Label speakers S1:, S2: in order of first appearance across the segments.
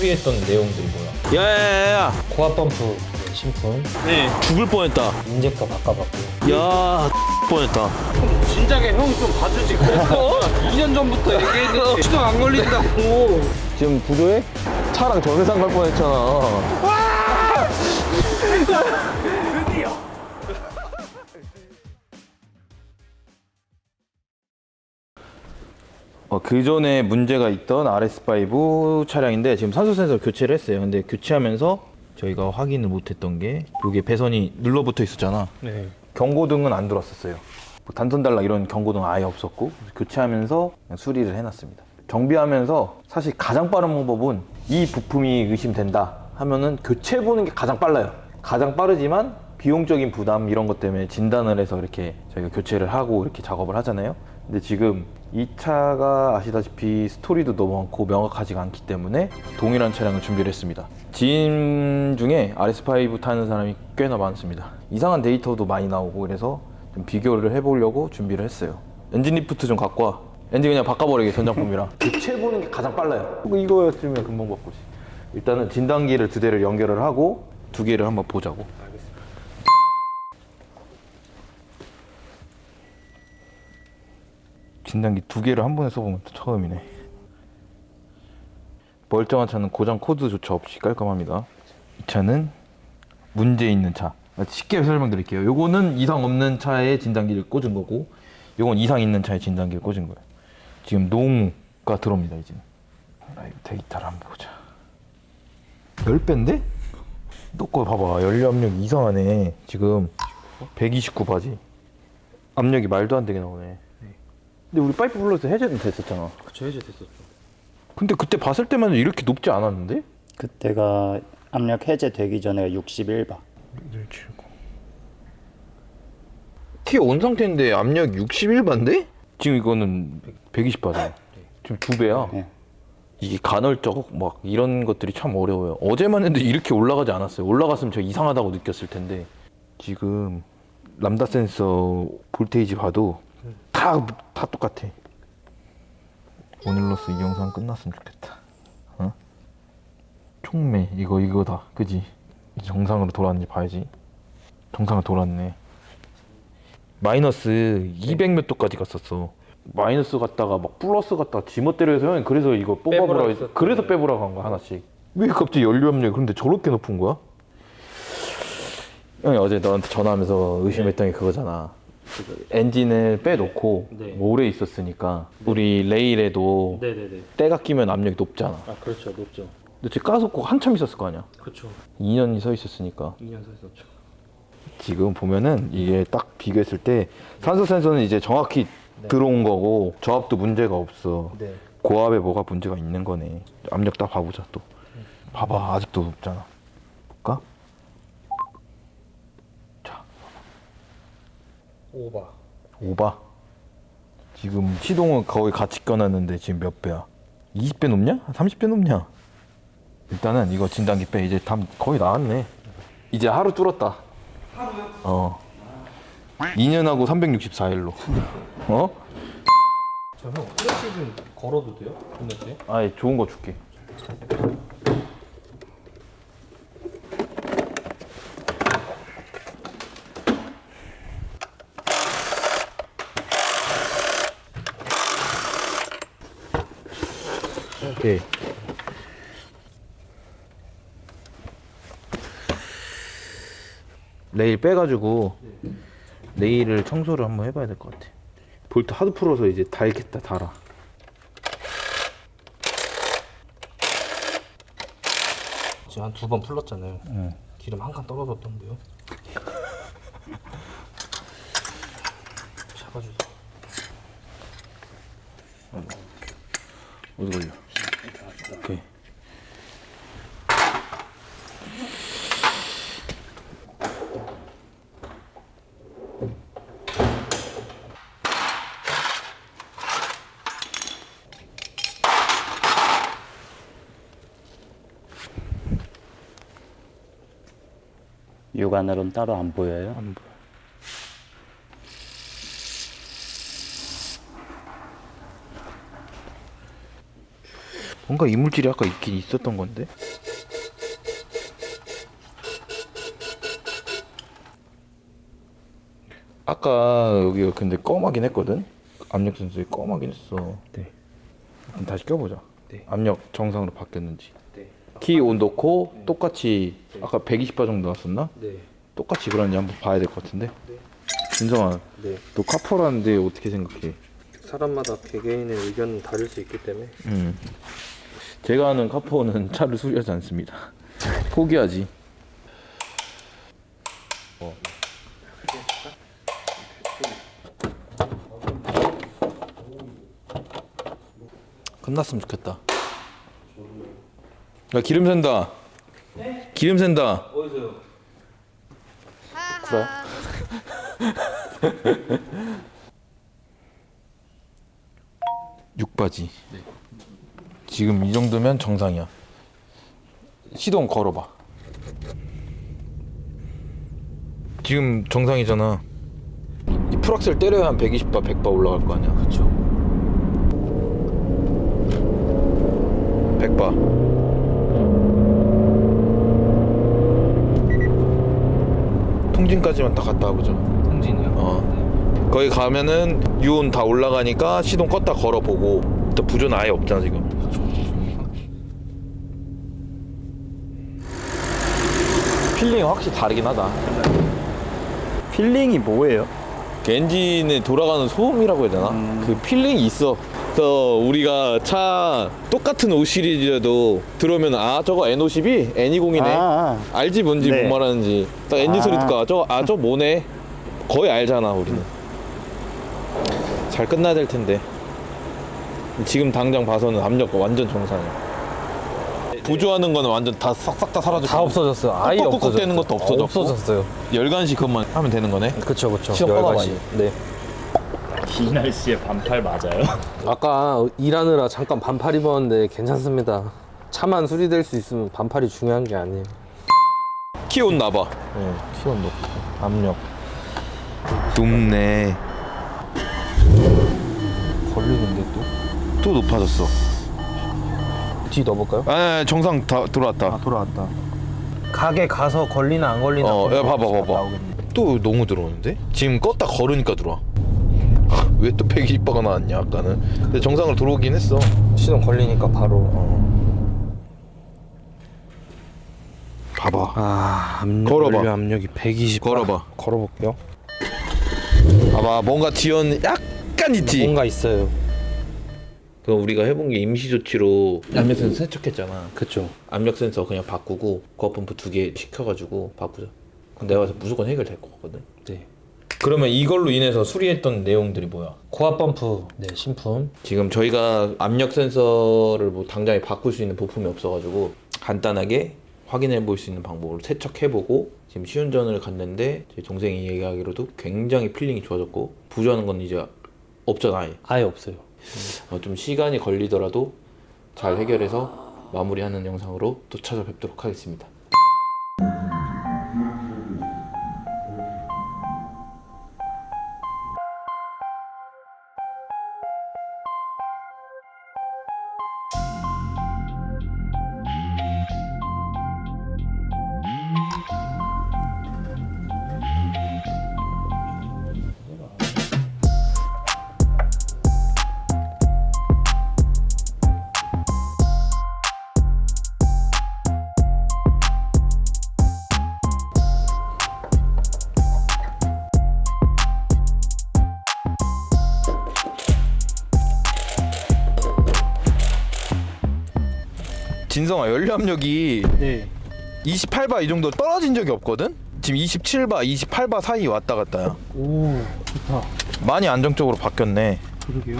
S1: 수리했던 내용들이 뭐야?
S2: 야야야야.
S1: 고압 펌프 신품,
S2: 네. 죽을 뻔했다.
S1: 인젝터 바꿔봤고.
S2: 야 뻔했다.
S3: 진작에 형 좀 봐주지 그랬어. 2년 전부터 얘기했는데 시동 안 걸린다고.
S2: 지금 부조해? 차랑 전세상 갈 뻔했잖아. 그 전에 문제가 있던 RS5 차량인데 지금 산소 센서 교체를 했어요. 근데 교체하면서 저희가 확인을 못했던 게 여기 배선이 눌러붙어 있었잖아.
S1: 네.
S2: 경고등은 안 들어왔었어요. 뭐 단선 달락 이런 경고등 아예 없었고 교체하면서 그냥 수리를 해놨습니다. 정비하면서 사실 가장 빠른 방법은 이 부품이 의심된다 하면은 교체해 보는 게 가장 빨라요. 가장 빠르지만 비용적인 부담 이런 것 때문에 진단을 해서 이렇게 저희가 교체를 하고 이렇게 작업을 하잖아요. 근데 지금 이 차가 아시다시피 스토리도 너무 많고 명확하지가 않기 때문에 동일한 차량을 준비를 했습니다. 지인 중에 RS5 타는 사람이 꽤나 많습니다. 이상한 데이터도 많이 나오고 그래서 좀 비교를 해보려고 준비를 했어요. 엔진 리프트 좀 갖고 와. 엔진 그냥 바꿔버리게 전장품이랑. 교체해보는 게 가장 빨라요. 이거였으면 금방 바꾸지. 일단은 진단기를 두 대를 연결을 하고 두 개를 한번 보자고. 진단기 두 개를 한 번에 써보면 또 처음이네. 멀쩡한 차는 고장 코드조차 없이 깔끔합니다. 이 차는 문제 있는 차. 쉽게 설명드릴게요. 요거는 이상 없는 차에 진단기를 꽂은 거고, 요건 이상 있는 차에 진단기를 꽂은 거예요. 지금 노무가 들어옵니다, 이제. 라이브 데이터를 한번 보자. 10배인데? 너 거 봐봐. 연료 압력이 이상하네. 지금 129 바지. 압력이 말도 안 되게 나오네. 근데 우리 파이프 블러스 해제는 됐었잖아.
S1: 그쵸, 해제됐었죠.
S2: 근데 그때 봤을 때만 이렇게 높지 않았는데?
S4: 그때가 압력 해제되기 전에 61바.
S2: 179. 티 온 상태인데 압력 61바인데? 지금 이거는 120바잖아. 지금 2배야.
S4: 네.
S2: 이게 간헐적 막 이런 것들이 참 어려워요. 어제만 해도 이렇게 올라가지 않았어요. 올라갔으면 저 이상하다고 느꼈을 텐데 지금 람다 센서 볼테이지 봐도 다 똑같아. 오늘로써 이 영상 끝났으면 좋겠다. 어? 촉매 이거다. 그지? 이제 정상으로 돌아왔는지 봐야지. 정상으로 돌아왔네. 마이너스 200 몇 도까지 갔었어. 마이너스 갔다가 막 플러스 갔다가 지멋대로 해서 형이 그래서 이거 뽑아보라 해서 그래서 빼보라고 한 거야 하나씩. 왜 갑자기 연료 압력이 그런데 저렇게 높은 거야? 형이 어제 너한테 전화하면서 의심했던 게 그거잖아. 엔진을 빼놓고
S1: 네.
S2: 오래 있었으니까 우리 레일에도
S1: 네네네.
S2: 때가 끼면 압력이 높잖아.
S1: 아, 그렇죠. 높죠.
S2: 근데 지금 까놓고 한참 있었을 거 아니야.
S1: 그렇죠.
S2: 2년이 서 있었으니까.
S1: 2년 서 있었죠.
S2: 지금 보면은 이게 딱 비교했을 때 산소 센서는 이제 정확히 들어온 거고 저압도 문제가 없어.
S1: 네.
S2: 고압에 뭐가 문제가 있는 거네. 압력 딱 봐보자 또. 봐봐 아직도 높잖아. 볼까? 자,
S1: 오바.
S2: 5바. 지금 시동은 거의 같이 꺼놨는데 지금 몇 배야? 20배 높냐? 30배 높냐? 일단은 이거 진단기 빼. 이제 다 거의 나왔네. 이제 하루 뚫었다. 하루요? 2년하고 364일로. 어?
S1: 저 형, 플래시 좀 걸어도 돼요? 끝났지?
S2: 아예 좋은 거 줄게. 오케이. 레일 빼가지고 레일을 청소를 한번 해봐야 될 것 같아. 볼트 하도 풀어서 이제 달겠다 달아.
S1: 지금 한 2번 풀렀잖아요. 기름 한 칸 떨어졌던데요. 잡아주세요.
S2: 어디 걸려? 오케이.
S4: 육안으로는 따로 안 보여요.
S2: 안 보여. 뭔가 이물질이 아까 있긴 있었던 건데. 아까 여기가 근데 검하긴 했거든. 압력 센서이 검하긴 했어.
S1: 네.
S2: 그럼 다시 껴보자.
S1: 네.
S2: 압력 정상으로 바뀌었는지.
S1: 네.
S2: 키 온 넣고 똑같이 아까 120바 정도 나왔었나?
S1: 네.
S2: 똑같이 그런지 한번 봐야 될 것 같은데. 진성아,
S1: 네.
S2: 너 카포라는데 어떻게 생각해?
S1: 사람마다 개개인의 의견은 다를 수 있기 때문에
S2: 제가 아는 카포는 차를 수리하지 않습니다. 포기하지. 끝났으면 좋겠다. 야, 기름 샌다. 네? 기름 샌다.
S1: 어디서요?
S2: 그래? 육바지.
S1: 네.
S2: 지금 이 정도면 정상이야. 시동 걸어봐. 지금 정상이잖아. 이 풀악셀 때려야 한 120바, 100바 올라갈 거 아니야.
S1: 그쵸.
S2: 100바. 통진까지만 딱 갔다 와보자.
S1: 통진이요?
S2: 거기 가면은 유온 다 올라가니까 시동 껐다 걸어보고. 또 부조는 아예 없잖아 지금. 필링이 확실히 다르긴 하다.
S4: 필링이 뭐예요?
S2: 그 엔진에 돌아가는 소음이라고 해야 되나? 그 필링이 있어. 그래서 우리가 차 똑같은 5 시리즈라도 들어오면 아 저거 N50이 N20이네. 알지 뭔지
S4: 네.
S2: 뭔 말하는지. 딱 엔진 소리 듣고 저 뭐네. 거의 알잖아 우리는. 잘 끝나야 될 텐데. 지금 당장 봐서는 압력 완전 정상이야. 부조하는 거는 완전 다 싹싹 다 사라졌고
S1: 다 없어졌어요. 아예
S2: 꾹꾹꾹
S1: 없어졌어요.
S2: 되는 것도 없어졌고.
S1: 없어졌어요.
S2: 열간식 그것만 하면 되는 거네.
S1: 그쵸 그쵸.
S2: 시험 꺼봐봐,
S1: 열가지. 네.
S4: 이 날씨에 반팔 맞아요?
S1: 아까 일하느라 잠깐 반팔 입었는데 괜찮습니다. 차만 수리될 수 있으면 반팔이 중요한 게 아니에요.
S2: 키온 나봐.
S1: 네. 키원 높고 압력
S2: 높네.
S1: 걸리는데
S2: 또 높아졌어.
S1: 뒤 넣어볼까요?
S2: 아 정상 다 들어왔다.
S1: 돌아왔다. 가게 가서 걸리나 안 걸리나.
S2: 야 봐봐.
S1: 나오겠네.
S2: 또 너무 들어오는데? 지금 껐다 걸으니까 들어와. 왜 또 120바가 나왔냐 아까는. 근데 정상으로 들어오긴 했어.
S1: 시동 걸리니까 바로.
S2: 봐봐.
S1: 아 압력.
S2: 걸어봐.
S1: 연료 압력이 120.
S2: 걸어봐.
S1: 걸어볼게요.
S2: 봐봐 뭔가 지연 약간 있지.
S1: 뭔가 있어요.
S2: 그 우리가 해본 게 임시 조치로 압력 센서 세척했잖아.
S1: 그쵸.
S2: 압력 센서 그냥 바꾸고 고압펌프 2개 시켜가지고 바꾸자. 그럼 내가 봐서 무조건 해결될 것 같거든.
S1: 네.
S2: 그러면 이걸로 인해서 수리했던 내용들이 뭐야?
S1: 고압 펌프. 네 신품.
S2: 지금 저희가 압력 센서를 뭐 당장에 바꿀 수 있는 부품이 없어가지고 간단하게 확인해 볼 수 있는 방법으로 세척해보고 지금 시운전을 갔는데 제 동생이 얘기하기로도 굉장히 필링이 좋아졌고 부조하는 건 이제 없잖아 아예.
S1: 아예 없어요.
S2: 좀 시간이 걸리더라도 잘 해결해서 마무리하는 영상으로 또 찾아뵙도록 하겠습니다. 진성아 연료 압력이
S1: 네.
S2: 28바 이 정도 떨어진 적이 없거든? 지금 27바, 28바 사이 왔다 갔다야.
S1: 오 좋다.
S2: 많이 안정적으로 바뀌었네.
S1: 그러게요.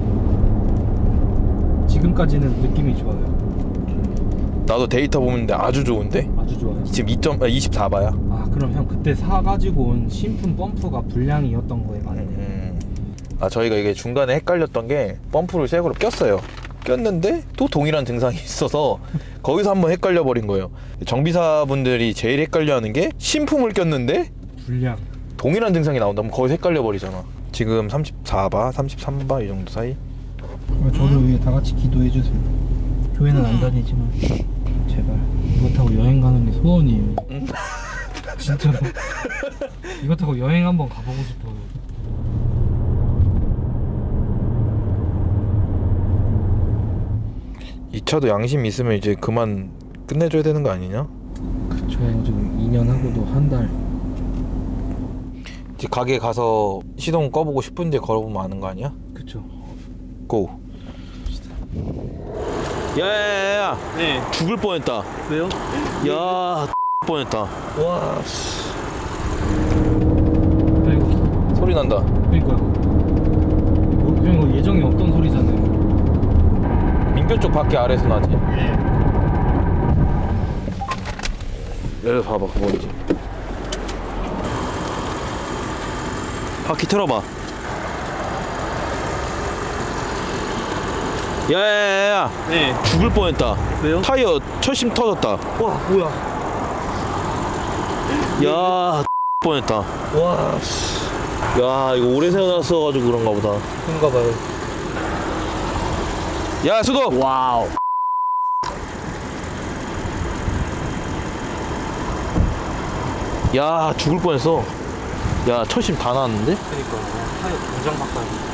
S1: 지금까지는 느낌이 좋아요.
S2: 나도 데이터 보는데 아주 좋은데?
S1: 아주 좋아요.
S2: 지금 24바야.
S1: 아 그럼 형 그때 사가지고 온 신품 펌프가 불량이었던 거에 맞네.
S2: 아 저희가 이게 중간에 헷갈렸던 게 펌프를 새 거로 꼈어요. 꼈는데 또 동일한 증상이 있어서 거기서 한번 헷갈려 버린 거예요. 정비사분들이 제일 헷갈려하는 게 신품을 꼈는데
S1: 불량.
S2: 동일한 증상이 나온다면 거기서 헷갈려 버리잖아. 지금 34바, 33바 이 정도 사이.
S1: 저를 위해 다 같이 기도해 주세요. 교회는 안 다니지만 제발 이거 타고 여행 가는 게 소원이에요. 진짜로 이거 타고 여행 한번 가보고 싶어요.
S2: 이 차도 양심 있으면 이제 그만 끝내줘야 되는 거 아니냐?
S1: 그쵸. 지금 2년 하고도 한 달.
S2: 이제 가게 가서 시동 꺼보고 10분째 걸어보면 아는 거 아니야?
S1: 그쵸.
S2: 고. 야야야야.
S3: 네.
S2: 죽을 뻔했다.
S3: 왜요?
S2: 야 뻔했다.
S3: 와.
S1: 그리고
S2: 소리 난다.
S1: 그러니까요. 그냥 이거 예정이 없던 소리잖아요.
S2: 민교 쪽 밖에 아래서 나지. 여기 봐봐 그 뭔지. 바퀴 틀어봐. 야야야야.
S3: 네.
S2: 죽을 뻔했다.
S3: 왜요?
S2: 타이어 철심 터졌다.
S3: 와 뭐야?
S2: 야 뻔했다.
S3: 와.
S2: 야 이거 오래 세워놨어가지고 그런가 보다.
S3: 그런가 봐요.
S2: 야 수도.
S3: 와우.
S2: 야 죽을 뻔했어. 야 철심 다 나왔는데?
S3: 그러니까 타이어 당장 바꿔요.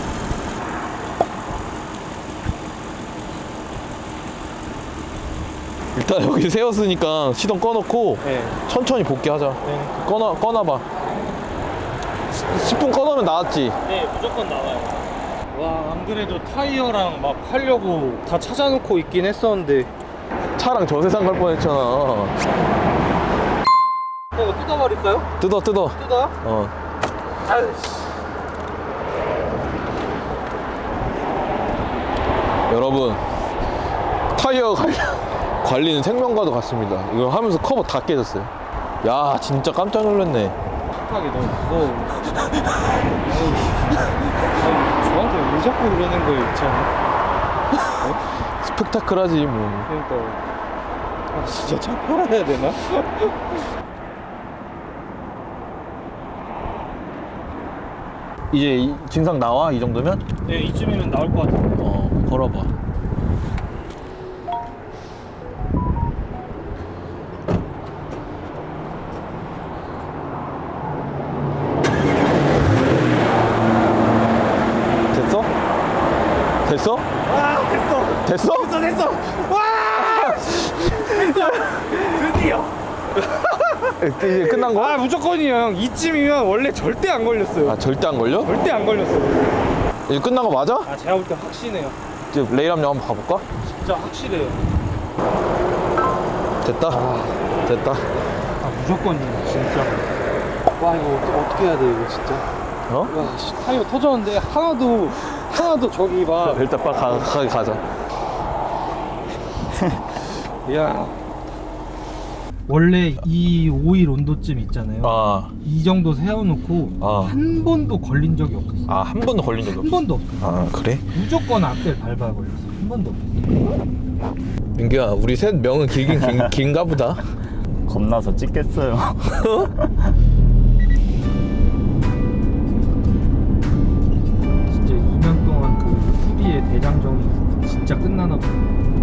S2: 일단 여기 세웠으니까 시동 꺼놓고
S3: 네.
S2: 천천히 복귀하자.
S3: 네.
S2: 꺼놔봐. 10분 꺼놓으면 나왔지.
S3: 네, 무조건 나와요. 와, 안 그래도 타이어랑 막 하려고 다 찾아놓고 있긴 했었는데.
S2: 차랑 저 세상 갈 뻔했잖아.
S3: 이거 뜯어버릴까요?
S2: 뜯어.
S3: 뜯어요?
S2: 어.
S3: 아이씨.
S2: 여러분 타이어 관리는 생명과도 같습니다. 이거 하면서 커버 다 깨졌어요. 야 진짜 깜짝 놀랐네.
S3: 하기 너무 무서워. 저한테 왜 자꾸 그러는 거 있잖아.
S2: 스펙타클하지 뭐.
S3: 그러니까. 아, 진짜 차 팔아야 되나?
S2: 이제 증상 나와 이 정도면?
S3: 네, 이쯤이면 나올 것 같아요.
S2: 걸어봐. 됐어? 됐어?
S3: 아, 됐어!
S2: 됐어?
S3: 됐어! 와! 됐어! 드디어!
S2: 이제 끝난 거야?
S3: 아, 무조건이에요, 형. 이쯤이면 원래 절대 안 걸렸어요.
S2: 아 절대 안 걸려?
S3: 절대 안 걸렸어.
S2: 이제 끝난 거 맞아?
S3: 아, 제가 볼 때 확신해요.
S2: 이제 레이람령 한번 가볼까?
S3: 진짜 확실해요.
S2: 됐다. 됐다.
S3: 아, 무조건이에요, 진짜. 와, 이거 어떻게 해야 돼, 이거 진짜.
S2: 어?
S3: 와, 씨, 타이어 터졌는데 하나도 저기 막.
S2: 일단 빨리 가자.
S3: 야.
S1: 원래 이 오일 온도쯤 있잖아요.
S2: 아,
S1: 이 정도 세워놓고
S2: 아.
S1: 한 번도 걸린 적이 없었어.
S2: 아, 한 번도 걸린 적이
S1: 한
S2: 없어.
S1: 번도 없어.
S2: 아, 그래?
S1: 무조건 앞에 밟아 걸렸어. 한 번도 없어.
S2: 민규야, 우리 셋 명은 긴가 보다.
S4: 겁나서 찍겠어요.
S1: 진짜 2년 동안 그 수리의 대장정이 진짜 끝나나 보다.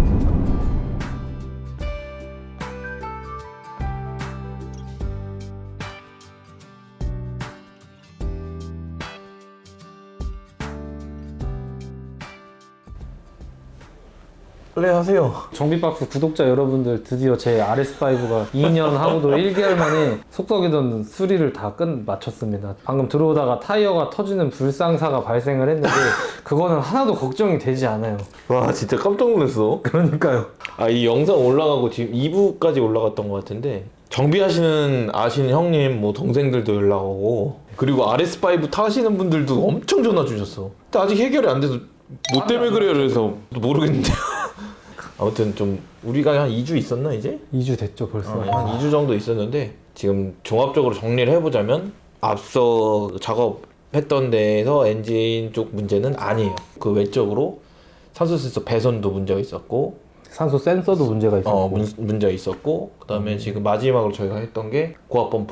S2: 네, 하세요.
S1: 정비박스 구독자 여러분들, 드디어 제 RS5가 2년 하고도 1개월 만에 속썩이던 수리를 다 마쳤습니다. 방금 들어오다가 타이어가 터지는 불상사가 발생을 했는데 그거는 하나도 걱정이 되지 않아요.
S2: 와, 진짜 깜짝 놀랐어.
S1: 그러니까요.
S2: 아, 이 영상 올라가고 지금 2부까지 올라갔던 것 같은데 정비하시는 아시는 형님, 뭐 동생들도 연락 오고 그리고 RS5 타시는 분들도 엄청 전화 주셨어. 근데 아직 해결이 안 돼서 뭐 때문에 그래요? 그래서 모르겠는데요. 아무튼 좀 우리가 한 2주 있었나 이제?
S1: 2주 됐죠 벌써.
S2: 한 2주 정도 있었는데 지금 종합적으로 정리를 해보자면 앞서 작업했던 데에서 엔진 쪽 문제는 아니에요. 그 외적으로 산소 센서 배선도 문제가 있었고
S1: 산소 센서도 문제가 있었고.
S2: 문제가 있었고 그 다음에 지금 마지막으로 저희가 했던 게 고압 펌프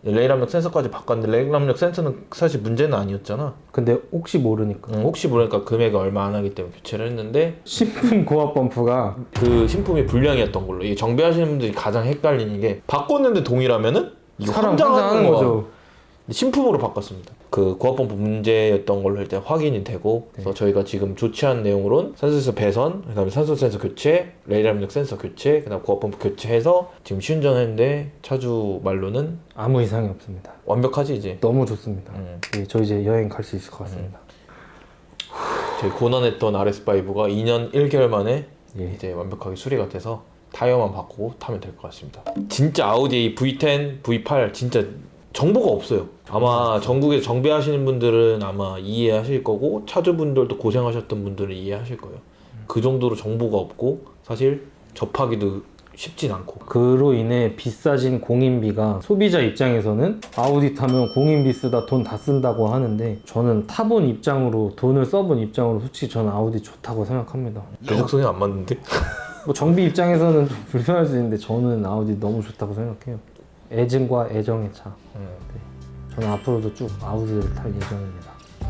S2: 레일 압력 센서까지 바꿨는데 레일 압력 센서는 사실 문제는 아니었잖아.
S1: 근데 혹시 모르니까
S2: 혹시 모르니까 금액이 얼마 안 하기 때문에 교체를 했는데
S1: 신품 고압 펌프가
S2: 그 신품이 불량이었던 걸로. 이게 정비하시는 분들이 가장 헷갈리는 게 바꿨는데 동일하면은 이거
S1: 사람
S2: 혼자
S1: 혼자 하는
S2: 거야.
S1: 거죠.
S2: 신품으로 바꿨습니다. 그 고압 펌프 문제였던 걸로 일단 확인이 되고 그래서 저희가 지금 조치한 내용으로는 산소 센서 배선, 그다음에 산소 센서 교체, 레일 압력 센서 교체, 그다음 고압 펌프 교체해서 지금 시운전했는데 차주 말로는
S1: 아무 이상이 없습니다.
S2: 완벽하지 이제.
S1: 너무 좋습니다. 예, 저 이제 여행 갈 수 있을 것 같습니다.
S2: 저희 고난했던 RS5가 2년 1개월 만에
S1: 예.
S2: 이제 완벽하게 수리가 돼서 타이어만 바꾸고 타면 될 것 같습니다. 진짜 아우디 V10, V8 진짜 정보가 없어요. 아마 전국에 정비하시는 분들은 아마 이해하실 거고 차주분들도 고생하셨던 분들은 이해하실 거예요. 그 정도로 정보가 없고 사실 접하기도 쉽진 않고.
S1: 그로 인해 비싸진 공인비가 소비자 입장에서는 아우디 타면 공인비 쓰다 돈 다 쓴다고 하는데 저는 타본 입장으로 돈을 써본 입장으로 솔직히 저는 아우디 좋다고 생각합니다.
S2: 배속성이 안 맞는데?
S1: 뭐 정비 입장에서는 좀 불편할 수 있는데 저는 아우디 너무 좋다고 생각해요. 애증과 애정의 차. 네. 저는 앞으로도 쭉 아우디를 탈 예정입니다.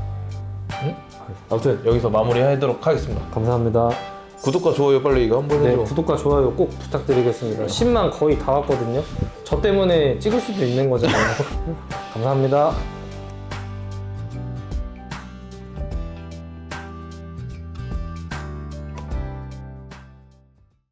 S2: 아무튼 여기서 마무리하도록 하겠습니다.
S1: 감사합니다.
S2: 구독과 좋아요 빨리 이거 한번
S1: 네,
S2: 해줘.
S1: 구독과 좋아요 꼭 부탁드리겠습니다. 10만 거의 다 왔거든요. 저 때문에 찍을 수도 있는 거잖아요. 감사합니다.